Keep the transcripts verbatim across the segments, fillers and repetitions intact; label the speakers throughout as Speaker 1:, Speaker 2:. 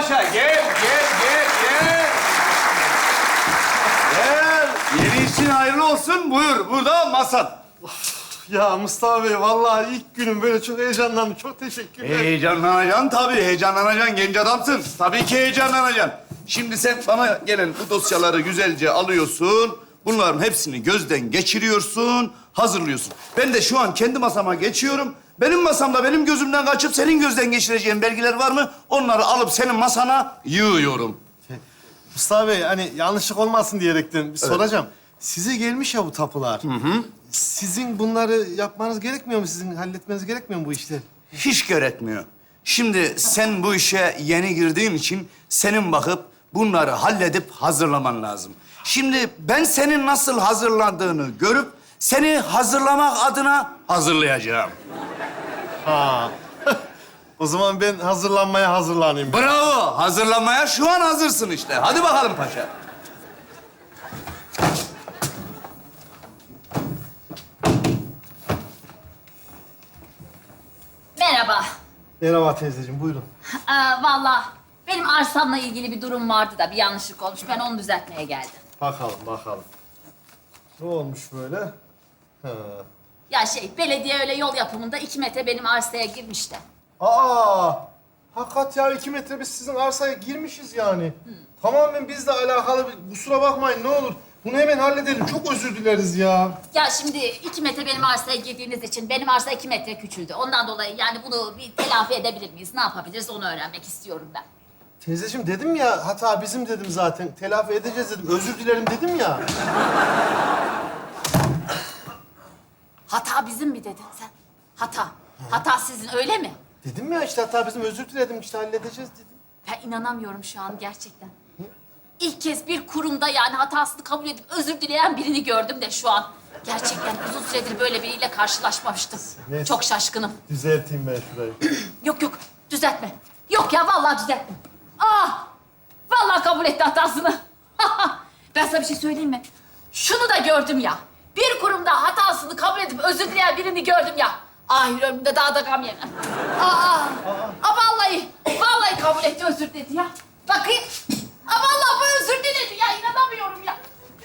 Speaker 1: paşa. Gel, gel, gel, gel. Gel. Yeni işin hayırlı olsun. Buyur, burada masan.
Speaker 2: Ya Mustafa Bey, vallahi ilk günüm böyle çok heyecanlandım. Çok teşekkürler.
Speaker 1: Heyecanlanacaksın tabii, heyecanlanacaksın. Genç adamsın. Tabii ki heyecanlanacaksın. Şimdi sen bana gelen bu dosyaları güzelce alıyorsun. Bunların hepsini gözden geçiriyorsun, hazırlıyorsun. Ben de şu an kendi masama geçiyorum. Benim masamda benim gözümden kaçıp senin gözden geçireceğin belgeler var mı? Onları alıp senin masana yığıyorum.
Speaker 2: Mustafa Bey, hani yanlışlık olmasın diyerekten bir soracağım. Size gelmiş ya bu tapular. Hı hı. Sizin bunları yapmanız gerekmiyor mu? Sizin halletmeniz gerekmiyor mu bu işleri?
Speaker 1: Hiç gerekmiyor. Şimdi sen bu işe yeni girdiğin için senin bakıp bunları halledip hazırlaman lazım. Şimdi ben senin nasıl hazırlandığını görüp seni hazırlamak adına hazırlayacağım.
Speaker 2: Ha. O zaman ben hazırlanmaya hazırlanayım.
Speaker 1: Bravo! Hazırlanmaya şu an hazırsın işte. Hadi bakalım paşa.
Speaker 3: Merhaba.
Speaker 2: Merhaba teyzeciğim, buyurun.
Speaker 3: Ee, vallahi benim arsamla ilgili bir durum vardı da bir yanlışlık olmuş. Ben onu düzeltmeye geldim.
Speaker 2: Bakalım, bakalım. Ne olmuş böyle? Ha.
Speaker 3: Ya şey, belediye öyle yol yapımında iki metre benim arsaya girmiş de.
Speaker 2: Aa! Hakikat ya, iki metre biz sizin arsaya girmişiz yani. Tamamen bizle alakalı bir... Kusura bakmayın, ne olur. Bunu hemen halledelim. Çok özür dileriz ya.
Speaker 3: Ya şimdi iki metre benim arsaya girdiğiniz için benim arsa iki metre küçüldü. Ondan dolayı yani bunu bir telafi edebilir miyiz? Ne yapabiliriz onu öğrenmek istiyorum ben.
Speaker 2: Teyzeciğim, dedim ya, hata bizim dedim zaten. Telafi edeceğiz dedim. Özür dilerim dedim ya.
Speaker 3: Hata bizim mi dedin sen? Hata. Hata sizin öyle mi?
Speaker 2: Dedim ya işte, hata bizim, özür diledim işte, halledeceğiz dedim.
Speaker 3: Ben inanamıyorum şu an gerçekten. İlk kez bir kurumda yani hatasını kabul edip özür dileyen birini gördüm de şu an. Gerçekten uzun süredir böyle biriyle karşılaşmamıştım.
Speaker 2: Neyse.
Speaker 3: Çok şaşkınım.
Speaker 2: Düzelteyim ben şurayı.
Speaker 3: Yok yok, düzeltme. Yok ya, vallahi düzeltme. Ah! Vallahi kabul etti hatasını. Ben sana bir şey söyleyeyim mi? Şunu da gördüm ya. Bir kurumda hatasını kabul edip özür dileyen birini gördüm ya. Ahir ömrümde daha da gam yemem. Aa, aa, aa, vallahi, vallahi kabul etti, özür dedi ya. Bakayım. Aa, vallahi bu özür diledi ya, inanamıyorum ya.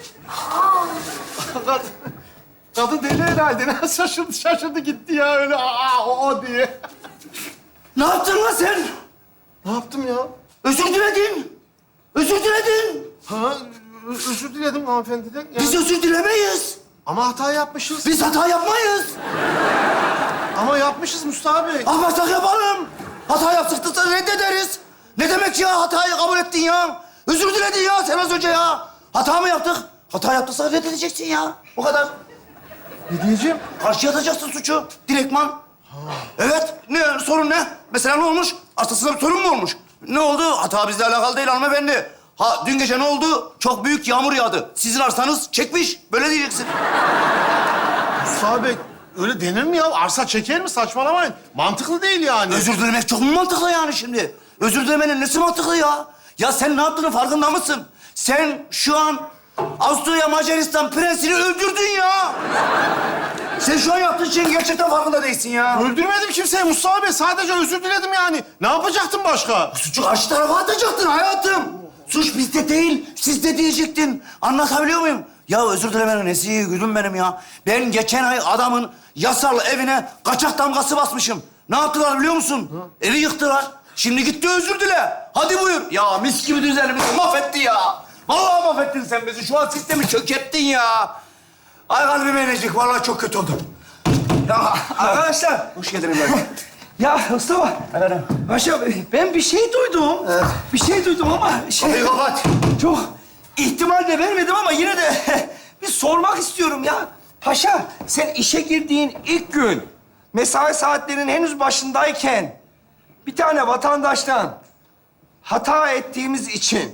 Speaker 2: Kadın, kadın deli herhalde. Ne şaşırdı, şaşırdı gitti ya öyle aa o, o diye.
Speaker 1: Ne yaptın lan sen?
Speaker 2: Ne yaptım ya?
Speaker 1: Özür diledin. Özür diledin.
Speaker 2: Ha, ö- özür diledim hanımefendiden. Ya.
Speaker 1: Biz özür dilemeyiz.
Speaker 2: Ama hata yapmışız.
Speaker 1: Biz hata yapmayız.
Speaker 2: Ama yapmışız Mustafa Bey.
Speaker 1: Ama hata yapalım. Hata yaptık da reddederiz. Ne demek ya, hatayı kabul ettin ya? Özür diledin ya sen az önce ya. Hata mı yaptık? Hata yaptıysa reddedeceksin ya. O kadar.
Speaker 2: Ne diyeceğim?
Speaker 1: Karşıya atacaksın suçu. Direktman. Evet. Ne? Sorun ne? Mesela ne olmuş? Aslında bir sorun mu olmuş? Ne oldu? Hata bizle alakalı değil hanımefendi. Ha, dün gece ne oldu? Çok büyük yağmur yağdı. Sizin arsanız çekmiş. Böyle diyeceksin.
Speaker 2: Mustafa Bey, öyle denir mi ya? Arsa çeker mi? Saçmalamayın. Mantıklı değil yani.
Speaker 1: Özür dilemek çok mu mantıklı yani şimdi? Özür dilemenin nesi mantıklı ya? Ya sen ne yaptığının farkında mısın? Sen şu an Avusturya Macaristan prensini öldürdün ya. Sen şu an yaptığın şeyin gerçekten farkında değilsin ya.
Speaker 2: Öldürmedim kimseyi Mustafa Bey. Sadece özür diledim yani. Ne yapacaktım başka?
Speaker 1: Suçu karşı tarafa atacaktın hayatım. Suç bizde değil, sizde diyecektin. Anlatabiliyor muyum? Ya özür dilemenin nesi iyi gülüm benim ya. Ben geçen ay adamın yasal evine kaçak damgası basmışım. Ne yaptılar biliyor musun? Hı? Evi yıktılar. Şimdi gitti özür dile. Hadi buyur. Ya mis gibi düzenimizi mahvetti ya. Vallahi mahvettin sen bizi. Şu an sistemi çökerttin ya. Ay kalbim inecek. Vallahi çok kötü oldum.
Speaker 4: Ya arkadaşlar,
Speaker 1: Hoş geldin İbrahim.
Speaker 4: ya Mustafa,
Speaker 1: Efendim?
Speaker 4: Paşa ben bir şey duydum.
Speaker 1: Evet.
Speaker 4: Bir şey duydum ama şey...
Speaker 1: Kapıyı kapat.
Speaker 4: Çok ihtimal de vermedim ama yine de bir sormak istiyorum ya. Paşa, sen işe girdiğin ilk gün, mesai saatlerinin henüz başındayken bir tane vatandaştan hata ettiğimiz için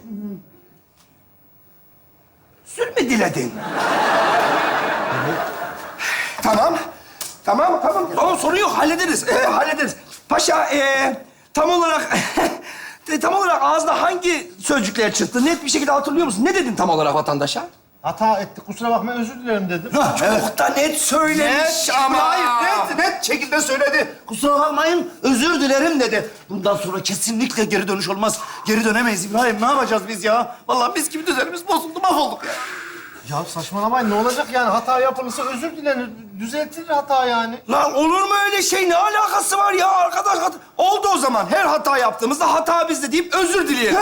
Speaker 4: özür mü diledin? Tamam. Tamam, tamam. Tamam, sorun yok. Hallederiz. Ee, hallederiz. Paşa, ee, tam olarak... tam olarak ağzına hangi sözcükler çıktı? Net bir şekilde hatırlıyor musun? Ne dedin tam olarak vatandaşa?
Speaker 2: Hata ettik, kusura bakma, özür dilerim dedim.
Speaker 1: Ha, evet.
Speaker 4: Çok da net söylemiş ama.
Speaker 1: Hayır, net, net şekilde söyledi. Kusura bakmayın, özür dilerim dedi. Bundan sonra kesinlikle geri dönüş olmaz. Geri dönemeyiz İbrahim. Ne yapacağız biz ya? Vallahi biz gibi düzenimiz bozuldu, mahvolduk ya.
Speaker 2: Ya saçmalamayın, ne olacak yani? Hata yapılırsa özür dilenir, düzeltilir hata yani.
Speaker 4: Lan olur mu öyle şey? Ne alakası var ya arkadaş? Hat- Oldu o zaman. Her hata yaptığımızda hata bizde deyip özür dileyelim.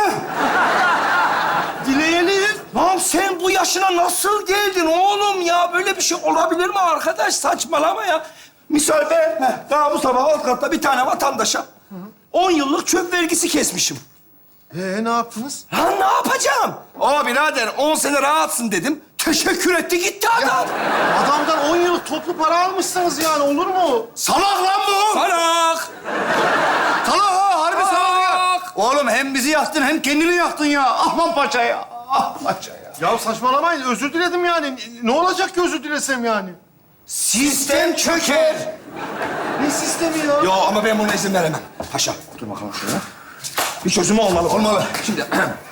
Speaker 2: Dileyelim.
Speaker 4: Lan sen bu yaşına nasıl geldin oğlum ya? Böyle bir şey olabilir mi arkadaş? Saçmalama ya. Misal ben daha bu sabah alt katta bir tane vatandaşa on yıllık çöp vergisi kesmişim.
Speaker 2: Ee, ne yaptınız?
Speaker 4: Lan ne yapacağım? Aa birader on sene rahatsın dedim. Teşekkür etti gitti adam.
Speaker 2: Adamdan on yıllık toplu para almışsınız yani, olur mu?
Speaker 1: Salak lan bu!
Speaker 4: Salak.
Speaker 1: Salak ha, harbi salak ya.
Speaker 4: Salak.
Speaker 1: Oğlum hem bizi yaktın hem kendini yaktın ya. Ahman paşa ya. Ah paşa ya.
Speaker 2: Ya saçmalamayın, özür diledim yani. Ne olacak ki özür dilesem yani?
Speaker 4: Sistem çöker.
Speaker 2: Ne sistemi ya?
Speaker 4: Yo ama ben buna izin veremem. Paşa dur bakalım şuraya. Bir çözümü olmalı.
Speaker 1: Olmalı.
Speaker 4: Şimdi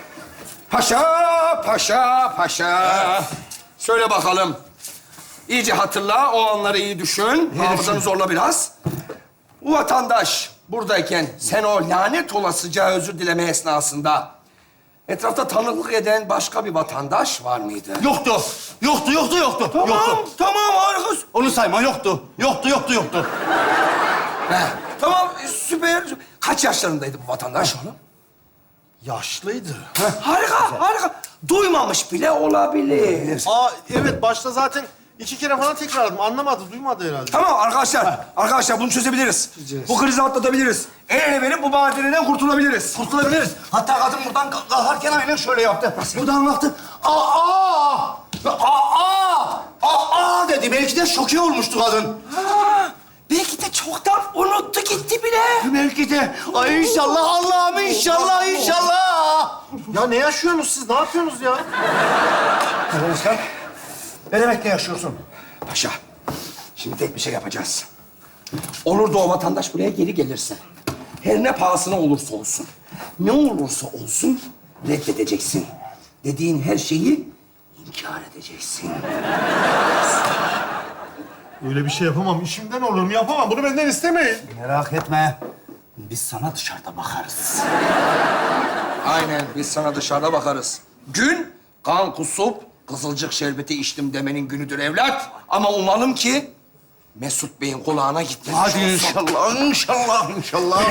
Speaker 4: paşa, paşa, paşa. Söyle bakalım. İyice hatırla, o anları iyi düşün. Hafızanı zorla biraz. Bu vatandaş buradayken sen o lanet olasıca özür dileme esnasında etrafta tanıklık eden başka bir vatandaş var mıydı?
Speaker 1: Yoktu. Yoktu, yoktu, yoktu.
Speaker 4: Tamam,
Speaker 1: Yoktu.
Speaker 4: tamam harika.
Speaker 1: Onu sayma, yoktu. Yoktu, yoktu, yoktu.
Speaker 4: Heh, tamam süper. Kaç yaşlarındaydı bu vatandaş oğlum?
Speaker 2: Yaşlıydı.
Speaker 4: Harika, harika. Duymamış bile olabilir.
Speaker 2: Aa evet, başta zaten iki kere falan tekrarladım. Anlamadı, duymadı herhalde.
Speaker 4: Tamam arkadaşlar, arkadaşlar bunu çözebiliriz. Bu krizi atlatabiliriz. El ele verip bu badireden kurtulabiliriz.
Speaker 1: Kurtulabiliriz. Hatta kadın buradan kal- kalkarken aynen şöyle yaptı. Buradan baktı. Aa! Aa! Aa! dedi. Belki de şoke olmuştu kadın.
Speaker 4: Ha, belki de çoktan unuttu gitti bile.
Speaker 1: Belki de. Ay inşallah Allah'ım inşallah inşallah.
Speaker 2: Ya ne yaşıyorsunuz siz? Ne yapıyorsunuz ya?
Speaker 1: Özkan, ne demekle yaşıyorsun?
Speaker 4: Paşa, şimdi tek bir şey yapacağız. Olur da o vatandaş buraya geri gelirse, her ne pahasına olursa olsun, ne olursa olsun reddedeceksin. Dediğin her şeyi inkar edeceksin.
Speaker 2: Öyle bir şey yapamam. İşimden olurum. Yapamam. Bunu benden istemeyin.
Speaker 1: Merak etme. Biz sana dışarıda bakarız.
Speaker 4: Aynen, biz sana dışarıda bakarız. Gün, kan kusup, kızılcık şerbeti içtim demenin günüdür evlat. Ama umalım ki Mesut Bey'in kulağına gitmemiş
Speaker 1: Hadi
Speaker 4: olsun.
Speaker 1: inşallah, inşallah, inşallah.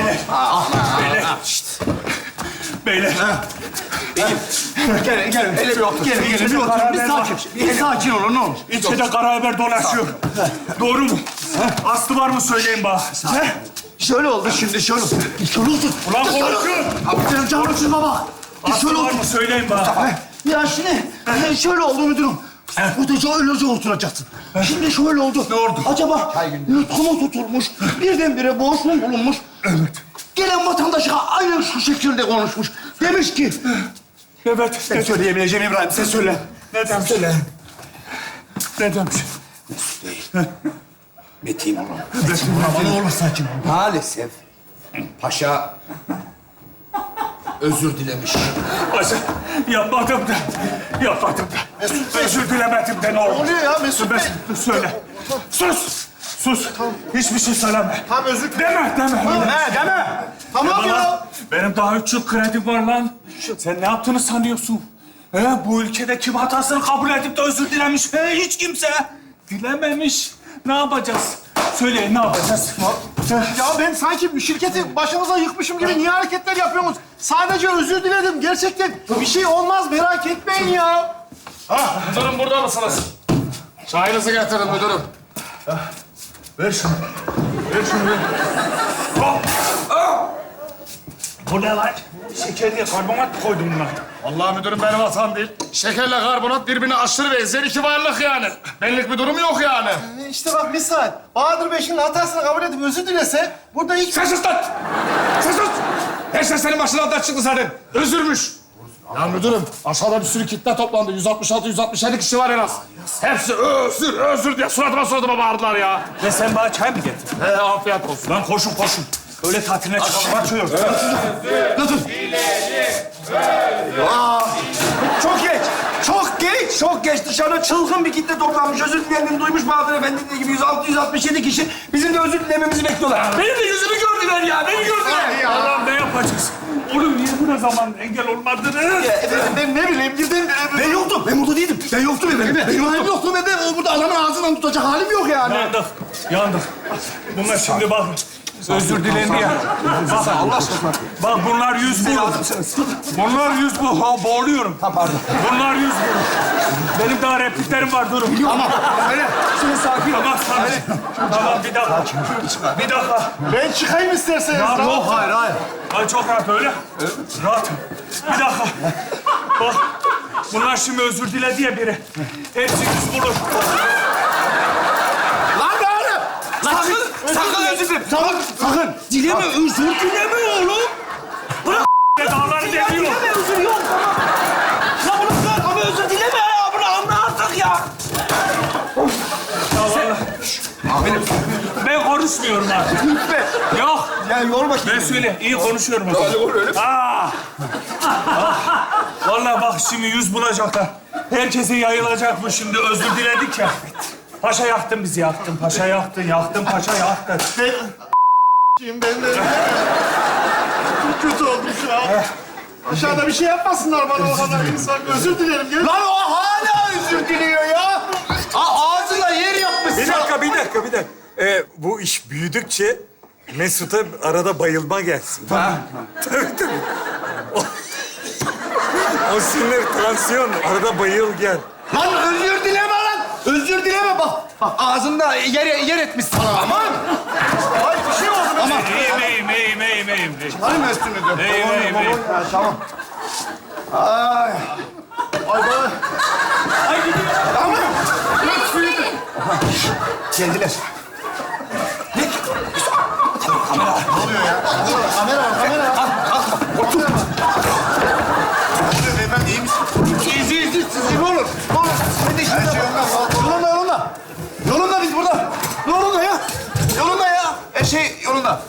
Speaker 5: Beyler.
Speaker 1: Gelin, gelin.
Speaker 4: Hele bir otur.
Speaker 1: Gelin, gelin. Bir oturun. Bir sakin, bir sakin olun, ne olur.
Speaker 5: İlçede kara haber dolaşıyor. Doğru mu? Aslı var mı söyleyin bana.
Speaker 1: Ne? Şöyle oldu şimdi, şöyle oldu. Şöyle oldu.
Speaker 5: Ulan konuşun.
Speaker 1: Abi canım için baba. Şöyle
Speaker 5: Aslı var
Speaker 1: oldu.
Speaker 5: mı söyleyin bana.
Speaker 1: Ya şimdi e, şöyle oldu müdürüm. Burada öylece oturacaksın. Şimdi şöyle oldu. Ne oldu? Acaba yutkumu tutulmuş, birdenbire boğuşma bulunmuş. Evet. Gelen vatandaşa aynen şu şekilde konuşmuş. Demiş ki...
Speaker 5: Evet.
Speaker 1: Ben söyleyebileceğim İbrahim, sen söyle.
Speaker 5: Ne demiş? Söyle. Ne demiş?
Speaker 4: Mesut Bey. Metin olun.
Speaker 1: Ne olur sakin ol.
Speaker 4: Maalesef paşa özür dilemiş.
Speaker 5: Paşa, yapmadım da. Yapmadım da. Özür dilemedim de ne olur.
Speaker 2: Ne oluyor ya Mesut Bey?
Speaker 5: Ben, söyle. Sus. Sus. Hiçbir şey söyleme.
Speaker 2: Tamam, özür dilerim.
Speaker 5: Deme, deme.
Speaker 1: Ne deme.
Speaker 2: Tamam ya.
Speaker 5: Lan, benim daha üç yıl kredim var lan. Sen ne yaptığını sanıyorsun? He, bu ülkede kim hatasını kabul edip de özür dilemiş? He, hiç kimse. Dilememiş. Ne yapacağız? Söyleyin, ne yapacağız?
Speaker 2: Ya ben sanki şirketi başınıza yıkmışım gibi niye hareketler yapıyorsunuz? Sadece özür diledim. Gerçekten bir şey olmaz, merak etmeyin ya.
Speaker 6: Müdürüm burada mısınız? Çayınızı getirin müdürüm.
Speaker 5: Ver şunu. Ver şunu. Ver. Hop. Ah! Bu ne lan? Şeker diye karbonat mı koydun buna?
Speaker 6: Vallahi müdürüm benim hatam değil. Şekerle karbonat birbirine aşırı benzer iki varlık yani. Benlik bir durum yok yani.
Speaker 2: E İşte bak misal. Bahadır Bey şimdi hatasını kabul edip özür dilese burada hiç...
Speaker 6: Sen sus lan! Sen sus! Her şey senin başından çıktı zaten. Özürmüş. Ya müdürüm, aşağıda bir sürü kitle toplandı. yüz altmış altı, yüz altmış yedi kişi var en az. Hepsi özür, özür diye suratıma suratıma bağırdılar ya.
Speaker 5: Ve sen bana çay mı getirdin?
Speaker 6: He, afiyet olsun.
Speaker 5: Lan koşun koşun. Öyle tatiline çıkalım. Açıyoruz.
Speaker 1: Çok geç, çok geç, çok
Speaker 4: çok geç. Dışarıda çılgın bir kitle toplanmış. Özür dilerini duymuş Bahadır Efendi dediği gibi yüz altı yüz altmış yedi kişi bizim de özür dilememizi bekliyorlar. Benim de yüzümü gördüler ya. Beni gördüler.
Speaker 5: Allah'ım ne yapacağız? Oğlum niye buna zaman engel olmadınız?
Speaker 2: Efendim ben ne bileyim birden...
Speaker 1: Ben yoktum. Ben burada değildim. Ben yoktum efendim. Ben
Speaker 2: Benim yoktu ben de burada adamın ağzından tutacak halim yok yani.
Speaker 5: Yandık, yandık. Bunlar şimdi bak, özür dilendi ya. Bak, Allah aşkına. Bak bunlar yüz bulur. Bunlar yüz bu. Ha, boğuluyorum.
Speaker 1: Ha, pardon.
Speaker 5: Bunlar yüz bulur. Benim daha repliklerim var, durun.
Speaker 1: Tamam. Öyle. Şimdi sakin ol.
Speaker 5: Tamam, sakin. Tamam, bir dakika. Bir dakika.
Speaker 2: Ben çıkayım isterseniz.
Speaker 5: Ya,
Speaker 2: Tamam.
Speaker 5: yok, hayır, hayır. Ay çok rahat öyle. Rahat. Bir dakika. Bak, bunlar şimdi özür diledi ya biri. Hepsi yüz bulur.
Speaker 1: Lan be oğlum. Sakın. Sakın özür dilerim. Sakın. Sakın. Dileme. Özür dileme oğlum. Bırak.
Speaker 5: Dağları deliyor.
Speaker 1: Dileme özür yok. Tamam. Ya bunu bırak ama özür dileme ya. Bunu anla artık ya.
Speaker 5: Amirim. Ben konuşmuyorum artık.
Speaker 1: Lütfen.
Speaker 5: Yok.
Speaker 1: Ya yorma
Speaker 5: Ben söyle, iyi konuşuyorum o zaman. Aa! Ah! Vallahi bak şimdi yüz bulacaklar. Herkese yayılacak bu şimdi. Özür diledik ya. Paşa yaktın bizi, yaktın. Paşa yaktın, yaktın, paşa yaktın.
Speaker 2: Ben de... Çok kötü oldum şu an. Aşağıda bir şey yapmasınlar bana o kadar insan. Özür dilerim. Gel.
Speaker 1: Lan o hala özür diliyor ya. A ağzına yer yapmış.
Speaker 7: Bir dakika, bir dakika, bir dakika. Ee, bu iş büyüdükçe Mesut'a arada bayılma gelsin.
Speaker 1: Ha.
Speaker 7: Tabii tabii. O, o sinir, tansiyon. Arada bayıl gel.
Speaker 1: Lan özür dileme lan. Özür dileme bak. Bak ağzında yer, yer etmiş sana. Aman.
Speaker 2: Ay bir şey oldu.
Speaker 1: Aman.
Speaker 5: İyiyim, iyiyim, iyiyim, iyiyim, iyiyim.
Speaker 2: Hanım üstünü de.
Speaker 5: İyiyim, iyiyim, iyiyim.
Speaker 2: Ha, tamam. Ay. Ay bana.
Speaker 5: Ay gidiyor.
Speaker 1: Tamam.
Speaker 3: Gelin, gelin.
Speaker 1: Geldiler. Ne?
Speaker 2: Ne oluyor ya? Kamera var, kamera var.
Speaker 1: Otur.
Speaker 2: Beyefendi iyi misin?
Speaker 1: İzi izi sizi ne olur. Ne olur. Sen de
Speaker 2: Her
Speaker 1: işinize
Speaker 2: şey
Speaker 1: bak.
Speaker 2: yolunda.
Speaker 1: Yolunda yolunda. Yolunda biz burada. Yolunda ya. Yolunda ya. Her şey yolunda.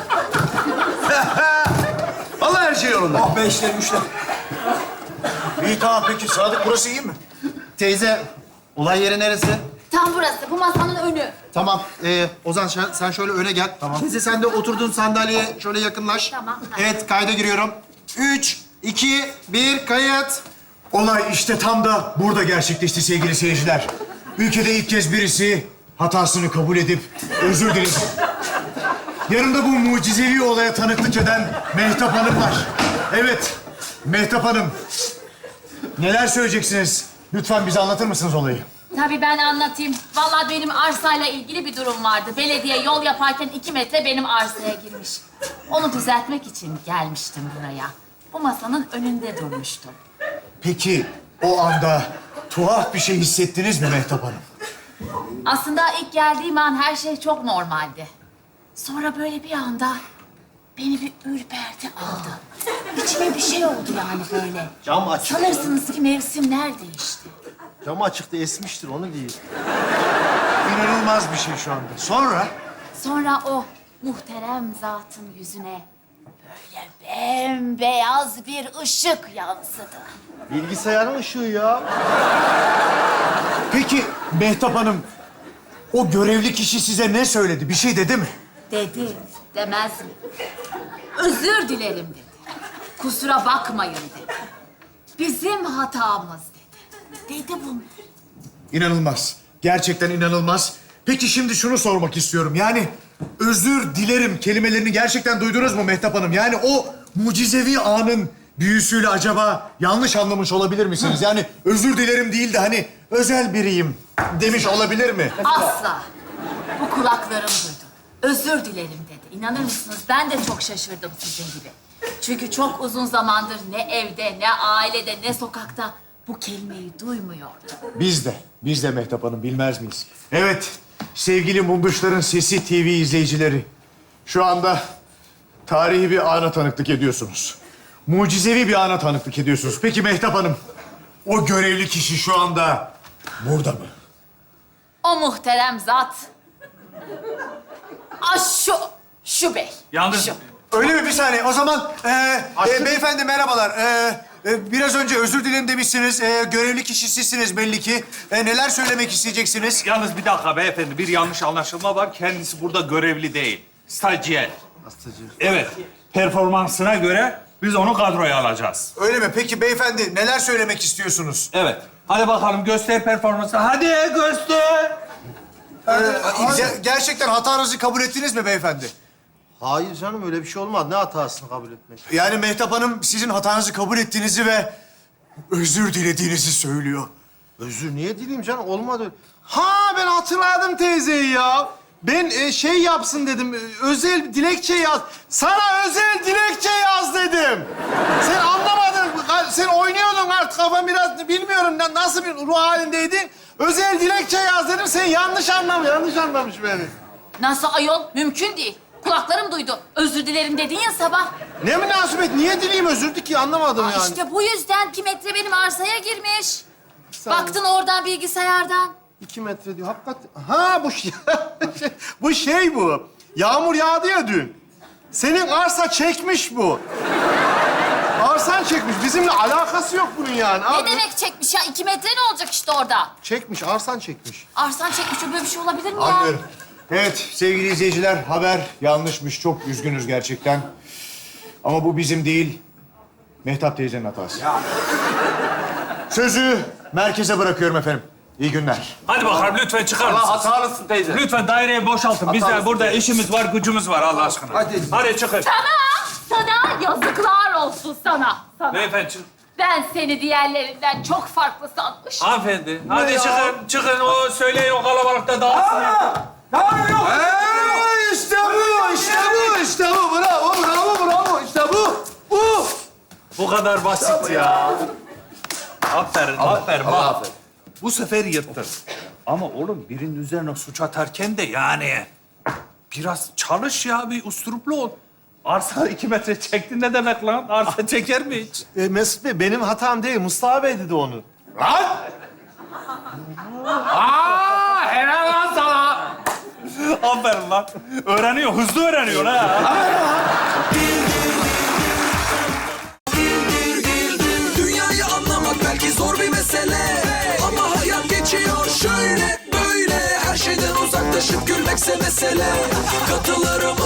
Speaker 1: Vallahi her şey yolunda.
Speaker 2: Ah be işler güçler. İyi tamam peki. Sadık burası iyi mi? Teyze, olay yeri neresi?
Speaker 3: Tam burası, bu masanın önü.
Speaker 8: Tamam. Ee, Ozan sen, sen şöyle öne gel. Tamam. Teyze sen de oturduğun sandalyeye şöyle yakınlaş.
Speaker 3: Tamam, tamam.
Speaker 8: Evet kayda giriyorum. Üç, iki, bir, kayıt.
Speaker 9: Olay işte tam da burada gerçekleşti sevgili seyirciler. Ülkede ilk kez birisi hatasını kabul edip özür diledi. Yanımda bu mucizevi olaya tanıklık eden Mehtap Hanım var. Evet, Mehtap Hanım. Neler söyleyeceksiniz? Lütfen bize anlatır mısınız olayı?
Speaker 3: Tabii ben anlatayım. Vallahi benim arsayla ilgili bir durum vardı. Belediye yol yaparken iki metre benim arsaya girmiş. Onu düzeltmek için gelmiştim buraya. Bu masanın önünde durmuştum.
Speaker 9: Peki o anda tuhaf bir şey hissettiniz mi Mehtap Hanım?
Speaker 3: Aslında ilk geldiğim an her şey çok normaldi. Sonra böyle bir anda beni bir ürperti aldı. İçime bir şey oldu yani böyle.
Speaker 2: Cam açık.
Speaker 3: Sanırsınız ki mevsimler değişti.
Speaker 2: Cam açıktı, esmiştir onu değil.
Speaker 9: İnanılmaz bir şey şu anda. Sonra?
Speaker 3: Sonra o muhterem zatın yüzüne böyle bembeyaz bir ışık yansıdı.
Speaker 2: Bilgisayarın ışığı ya.
Speaker 9: Peki Mehtap Hanım, o görevli kişi size ne söyledi? Bir şey dedi mi?
Speaker 3: Dedi, demez mi? Özür dilerim dedi. Kusura bakmayın dedi. Bizim hatamız dedi. Dedi bunu.
Speaker 9: İnanılmaz. Gerçekten inanılmaz. Peki şimdi şunu sormak istiyorum. Yani özür dilerim kelimelerini gerçekten duydunuz mu Mehtap Hanım? Yani o mucizevi anın büyüsüyle acaba yanlış anlamış olabilir misiniz? Yani özür dilerim değil de hani özel biriyim demiş olabilir mi?
Speaker 3: Asla. Bu kulaklarım duydu. Özür dilerim dedi. İnanır mısınız? Ben de çok şaşırdım sizin gibi. Çünkü çok uzun zamandır ne evde, ne ailede, ne sokakta bu kelimeyi duymuyordum.
Speaker 9: Biz de, biz de Mehtap Hanım bilmez miyiz? Evet, sevgili Munduşların Sesi T V izleyicileri. Şu anda tarihi bir ana tanıklık ediyorsunuz. Mucizevi bir ana tanıklık ediyorsunuz. Peki Mehtap Hanım, o görevli kişi şu anda burada mı?
Speaker 3: O muhterem zat. Ah şu, şu bey.
Speaker 5: Yalnız
Speaker 3: Şu.
Speaker 9: Öyle mi? Bir saniye. O zaman e, e, beyefendi merhabalar. E, e, biraz önce özür dilerim demişsiniz. E, görevli kişi sizsiniz belli ki. E, neler söylemek isteyeceksiniz?
Speaker 5: Yalnız bir dakika beyefendi, bir yanlış anlaşılma var. Kendisi burada görevli değil, stajyer.
Speaker 2: Hastacı.
Speaker 5: Evet, performansına göre biz onu kadroya alacağız.
Speaker 9: Öyle mi? Peki beyefendi neler söylemek istiyorsunuz?
Speaker 5: Evet. Hadi bakalım göster performansı. Hadi göster.
Speaker 9: E, ge- gerçekten hatanızı kabul ettiniz mi beyefendi?
Speaker 2: Hayır canım öyle bir şey olmaz. Ne hatasını kabul etmek?
Speaker 9: Yani Mehtap Hanım sizin hatanızı kabul ettiğinizi ve özür dilediğinizi söylüyor.
Speaker 2: Özür niye dileyim canım? Olmadı öyle. Ha ben hatırladım teyzeyi ya. Ben e, şey yapsın dedim. e, Özel dilekçe yaz. Sana özel dilekçe yaz dedim. Sen anlamadın. Sen oynuyordun artık kafan biraz bilmiyorum na- nasıl bir ruh halindeydin. Özel dilekçe yaz dedim. Sen yanlış anlamış, yanlış anlamış beni.
Speaker 3: Nasıl ayol? Mümkün değil. Kulaklarım duydu. Özür dilerim dedin ya sabah.
Speaker 2: Ne münasebet? Niye dileyim özür ki anlamadım
Speaker 3: Aa,
Speaker 2: yani.
Speaker 3: İşte bu yüzden iki metre benim arsaya girmiş.
Speaker 2: Sen-
Speaker 3: Baktın oradan bilgisayardan.
Speaker 2: İki metre diyor. Hakikaten. Ha bu şey, bu şey bu. Yağmur yağdı ya dün. Senin arsa çekmiş bu. Arsan çekmiş. Bizimle alakası yok bunun yani.
Speaker 3: Ne
Speaker 2: Abi.
Speaker 3: demek çekmiş ya? İki metre ne olacak işte orada?
Speaker 2: Çekmiş, arsan çekmiş.
Speaker 3: Arsan çekmiş. Böyle bir şey olabilir mi ya?
Speaker 9: Anlıyorum. Evet sevgili izleyiciler haber yanlışmış. Çok üzgünüz gerçekten. Ama bu bizim değil, Mehtap teyzenin hatası. Sözü merkeze bırakıyorum efendim. İyi günler.
Speaker 5: Hadi bakalım lütfen çıkar mısınız?
Speaker 7: Hatalısın teyze.
Speaker 5: Lütfen daireyi boşaltın. Biz de burada işimiz var, gücümüz var Allah aşkına.
Speaker 7: Hadi.
Speaker 5: Hadi çıkın.
Speaker 3: Sana, sana yazıklar olsun sana. sana.
Speaker 5: Beyefendi çıkın.
Speaker 3: Ben seni diğerlerinden çok farklı sanmışım.
Speaker 5: Hanımefendi. Hadi çıkın, çıkın. O söyleyin o kalabalıkta dağılsın.
Speaker 7: Ne yapıyorsun?
Speaker 2: Ee, işte bu, işte bu, işte bu. Bravo, bravo, bravo. İşte bu, bu.
Speaker 5: Bu kadar basit ya. Aferin, aferin. Bak. Bu sefer yırttın. Ama oğlum birinin üzerine suç atarken de yani biraz çalış ya, bir usturuplu ol. Arsa iki metre çekti ne demek lan? Arsa çeker mi hiç?
Speaker 2: E, Mesut Bey, benim hatam değil. Mustafa Bey dedi onu.
Speaker 7: Lan! Aa, helal lan sana.
Speaker 5: Aferin lan. Öğreniyor, hızlı öğreniyor ha.
Speaker 10: Dünyayı anlamak belki zor bir mesele, ama hayat geçiyor şöyle böyle. Her şeyden uzaklaşıp gülmekse mesele. Katılırım